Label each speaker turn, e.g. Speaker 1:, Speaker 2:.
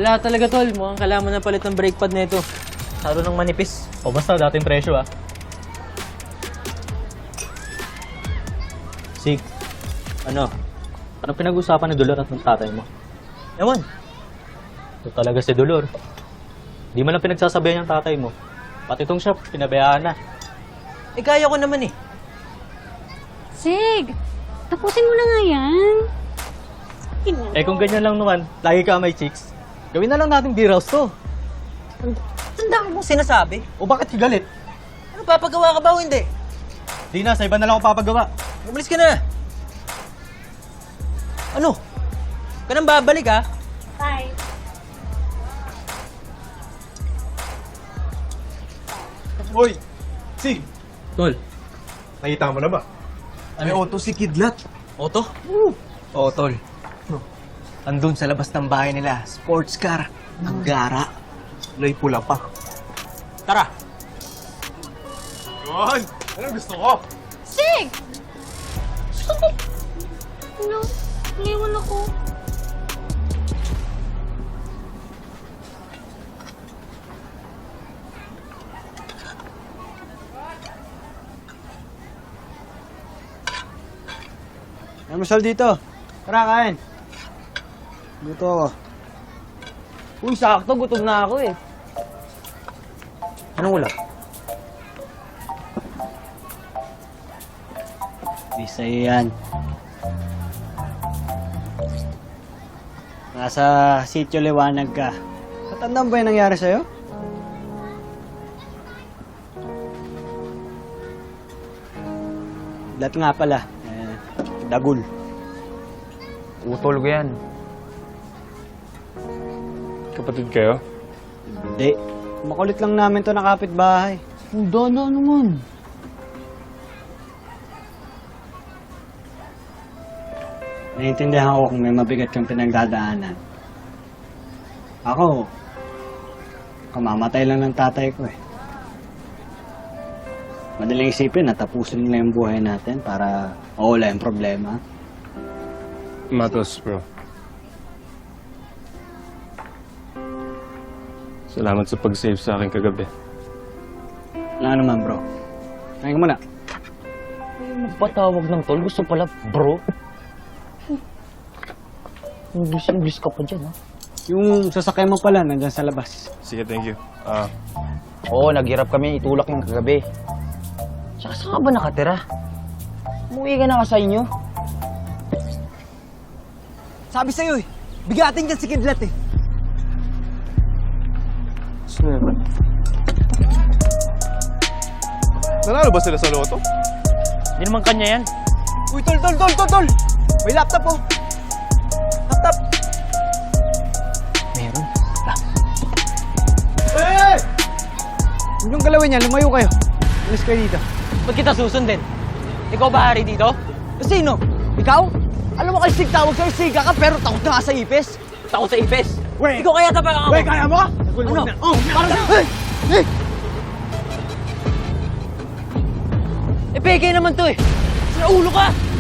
Speaker 1: Wala talaga, tol. Mukhang kailangan mo na palit ng brake pad nito. Saro ng manipis.
Speaker 2: O basta, dating presyo ah. Sig,
Speaker 1: Ano?
Speaker 2: anong pinag-usapan ni Dolor at ng tatay mo?
Speaker 1: Ewan.
Speaker 2: Ito talaga si Dolor. Di man lang pinagsasabihan ng tatay mo. Pati itong shop, pinabayaan na.
Speaker 1: Eh, kaya ko naman eh.
Speaker 3: Sig, tapusin mo na nga yan.
Speaker 2: Eh kung ganyan lang naman, lagi ka may chicks. Gawin na lang natin beer house to.
Speaker 1: Ang dami mong sinasabi.
Speaker 2: O bakit ka galit?
Speaker 1: Ano, papagawa ka ba o hindi?
Speaker 2: Di na, sa iba na lang ako papagawa.
Speaker 1: Umalis ka na. Ano? Ka nang babalik, ha?
Speaker 3: Bye.
Speaker 4: Hoy! Sig!
Speaker 2: Tol,
Speaker 4: Nakita mo na ba? May auto si Kidlat.
Speaker 1: Oto? Oo, tol. Andun sa labas ng bahay nila, sports car. Ang gara.
Speaker 4: Kulay pula pa.
Speaker 1: Tara!
Speaker 4: Yun! Anong gusto ko?
Speaker 3: Sig! Ano? Iniwan ako.
Speaker 5: May masal dito. Tara, kain. Dito ako.
Speaker 1: Uy, sakto. Gutom na ako eh. Anong ulam?
Speaker 5: Di sa'yo yan. Nasa sityo liwanag ka. Katandaan ba yung nangyari sa'yo? Lahat nga pala. Dagul.
Speaker 1: Utol ko yan.
Speaker 4: Kapatid kayo?
Speaker 5: Hindi. Makulit lang namin to na kapitbahay.
Speaker 1: Ang dana naman.
Speaker 5: Naiintindihan ko kung may mabigat kang pinagdadaanan. Ako, kamamatay lang ng tatay ko eh. Madaling isipin na tapusin na yung buhay natin para mawala yung problema.
Speaker 4: Matos, bro. Salamat sa pag-save sa akin kagabi.
Speaker 5: Wala naman bro. Kain ka muna.
Speaker 1: Magpatawag ng tol. Gusto pala, bro. English ka pa dyan, ha?
Speaker 5: Yung sasakyan mo pala nandyan sa labas.
Speaker 4: Sige, thank you.
Speaker 1: Oo, naghirap kami itulak yung kagabi. Tsaka saan ka ba nakatira? Umuwi ka na nga sa inyo. Sabi sa'yo eh, bigatin dyan si Kidlat eh.
Speaker 4: Nanalo ba sila sa loto?
Speaker 2: Hindi naman kanya yan.
Speaker 1: Uy, tol! May laptop oh. Laptop. Meron.
Speaker 5: Hey! Huwag niyong galawin yan, lumayo kayo. Alis kayo dito.
Speaker 1: Ba't kita susundin? Ikaw ba hari dito? Sino? Ikaw? Alam mo kasi tawag sa'yo, siga ka pero takot na nga sa ipis. Takot sa ipis?
Speaker 5: Wait!
Speaker 1: Ikaw kaya tapang ako.
Speaker 5: Wait, kaya mo?
Speaker 1: Ano? Oh, parang sa...
Speaker 5: Hey!
Speaker 1: Eh, peke naman to eh. Sa ulo ka!